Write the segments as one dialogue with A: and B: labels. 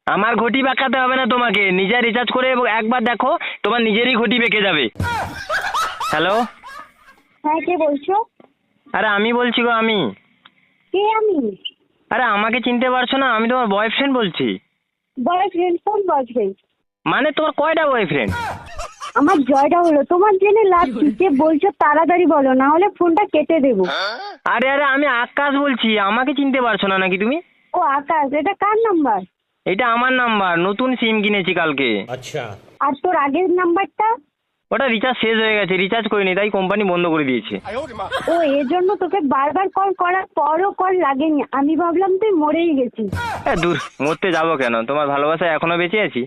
A: আমার ঘটি বাঁকাতে হবে না তোমাকে, নিজে রিচার্জ করে একবার দেখো, তোমার নিজেরই ঘটি বেঁকে যাবে। হ্যালো,
B: হ্যাঁ, কে বলছো?
A: আরে আমি বলছি গো, আমি।
B: কে আমি?
A: আরে আমাকে চিনতে পারছো না? আমি তোমার বয়ফ্রেন্ড বলছি।
B: বয়ফ্রেন্ড? কোন বয়ফ্রেন্ড?
A: মানে তোমার কয়টা বয়ফ্রেন্ড?
B: আমার জয়টা হলো, তোমার জেনে লাভ কি? কে বলছো তাড়াতাড়ি বলো, না হলে ফোনটা কেটে দেবো।
A: আরে আরে আমি আকাশ বলছি, আমাকে চিনতে পারছো না নাকি তুমি?
B: ও আকাশ, এটা কার নাম্বার?
A: এটা আমার নাম্বার, নতুন সিম কিনেছি কালকে।
C: अच्छा।
B: আর তোর আগের নাম্বারটা?
A: ওটা রিচার্জ শেষ হয়ে গেছে, রিচার্জ করিনি, তাই কোম্পানি বন্ধ করে দিয়েছে।
B: ও, এজন্য তোকে বারবার কল করার পরও কল লাগেনি। আমি ভাবলাম তুই মরেই গেছিস।
A: দূর, মরতে যাবো কেন, তোমার ভালোবাসায় এখনো বেঁচে আছি।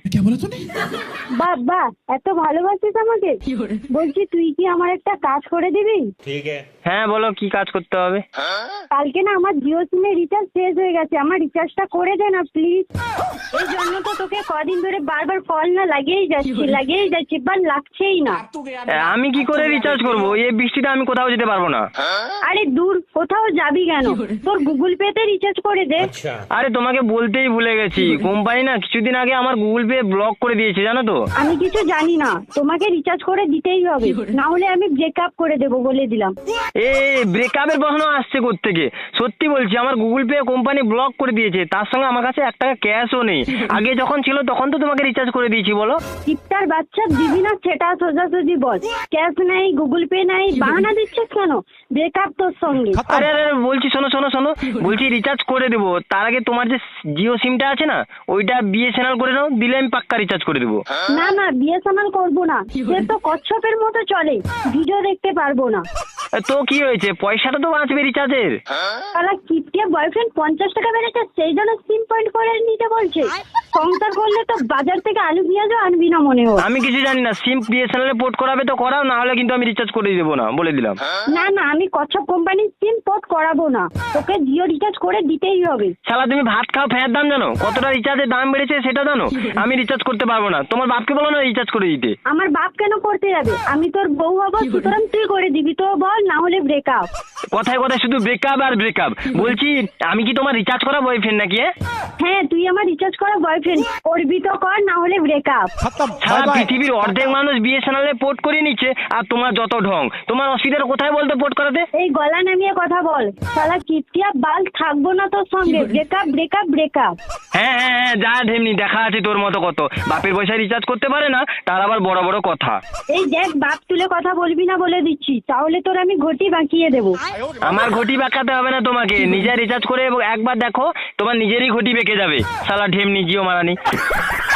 B: বাহ বাহ, এত ভালোবাসিস আমাকে। বলছি, তুই কি আমার একটা কাজ করে দিবি?
C: ठीक है।
A: হ্যাঁ বলো, কি কাজ করতে হবে?
B: কালকে না আমার জিও সিমে রিচার্জ শেষ হয়ে গেছে, আমার রিচার্জটা করে দে না প্লিজ। এই জন্য তো তোকে কদিন ধরে বারবার কল না লাগিয়েই যাচ্ছি, বাট লাগছেই না।
A: আমি কি করে রিচার্জ করবো? এই বৃষ্টিতে আমি কোথাও যেতে পারবো না।
B: আরে দূর, কোথাও যাবি কেন? তোর গুগল পে তে রিচার্জ করে দে।
C: अच्छा।
A: আরে তোমাকে বলতেই ভুলে গেছি, কোম্পানি না কিছুদিন আগে আমার গুগল পে ব্লক করে দিয়েছে, জানো তো?
B: আমি কিছু জানি না, তোমাকে রিচার্জ করে দিতেই হবে, না হলে আমি ব্রেকআপ করে দেবো, বলে দিলাম।
A: ব্রেকআপের প্রশ্ন আসছে কোত্থেকে? সত্যি বলছি, আমার গুগল পে কোম্পানি ব্লক করে দিয়েছে, তার সঙ্গে আমার কাছে 1 টাকা ক্যাশও নেই। আগে যখন ছিল তখন তো তোমাকে রিচার্জ করে দিয়েছি, বলো।
B: টিপটার বাচ্চা, দিবি না সেটা সোজাসুজি বল। ক্যাশ নাই, গুগল পে নাই, বাহানা দিচ্ছিস কেন? ব্রেকআপ তোর সঙ্গে।
A: আরে আরে আরে, বলছি শোনো শোনো শোনো, বলছি রিচার্জ করে দেবো, তার আগে তোমার যে জিও সিমটা আছে না, ওইটা বিএসএনএল করে নাও, দিলে আমি পাক্কা রিচার্জ করে দেবো।
B: না না, বিএসএনএল করবো না, সে তো কচ্ছপের মতো চলে, ভিডিও দেখতে পারবো না।
A: তো কি হয়েছে, পয়সাটা তো বাঁচবে রিচার্জের।
B: তাহলে কিপটিয়া বয়ফ্রেন্ড 50 টাকা বেড়েছে, সেই জন্য সিম পয়েন্ট করে নিতে বলছে। সংসার করলে তো বাজার থেকে আলু পেঁয়াজও আনবি না মনে হয়।
A: আমি কিছু জানি না, সিম বিএসএনএল পোর্ট করাবে তো করাও, না হলে কিন্তু আমি রিচার্জ করে দেবো না, বলে দিলাম।
B: না না, আমি কচ্ছপ কোম্পানির সিম পোর্ট করাবো না, তোকে জিও রিচার্জ করে দিতেই হবে।
A: শালা তুমি ভাত খাও ফ্যানের দাম জানো? কতটা রিচার্জের দাম বেড়েছে সেটা জানো? আমি রিচার্জ করতে পারবো না, তোমার বাপকে বলো না রিচার্জ করে দিতে।
B: আমার বাপ কেন করতে যাবে? আমি তোর বউ হবো, সুতরাং তুই করে দিবি তো বল, না হলে ব্রেকআপ।
A: কথায় কথায় শুধু ব্রেকআপ আর ব্রেকআপ। বলছি, আমি কি তোমার রিচার্জ করা বয়ফ্রেন্ড নাকি?
B: হ্যাঁ, তুই আমার রিচার্জ করা বয়ফ্রেন্ড, করবি তো কর, না হলে ব্রেকআপ।
A: সারা পৃথিবীর অর্ধেক মানুষ বিএসএনএল এ পোর্ট করে নিচ্ছে, আর তোমার যত ঢং। তোমার অসুবিধার কোথায় বলতো পোর্ট করাতে?
B: এই গলা নামিয়ে কথা বল, শালা কিপটিয়া বাল, থাকবো না তোর সঙ্গে। Breakup breakup breakup.
A: হ্যাঁ হ্যাঁ হ্যাঁ, যা ঢেমনি, দেখা আছে তোর মতো কত। বাপের পয়সায় রিচার্জ করতে পারে না, তার আবার বড় বড় কথা।
B: এই দেখ, বাপ তুলে কথা বলবি না বলে দিচ্ছি, তাহলে তোর আমি ঘটি বাঁকিয়ে দেবো।
A: আমার ঘটি বাঁকাতে হবে না তোমাকে, নিজে রিচার্জ করে একবার দেখো, তোমার নিজেরই ঘটি বেঁকে যাবে। শালা ঢেমনি, জিও মারানি।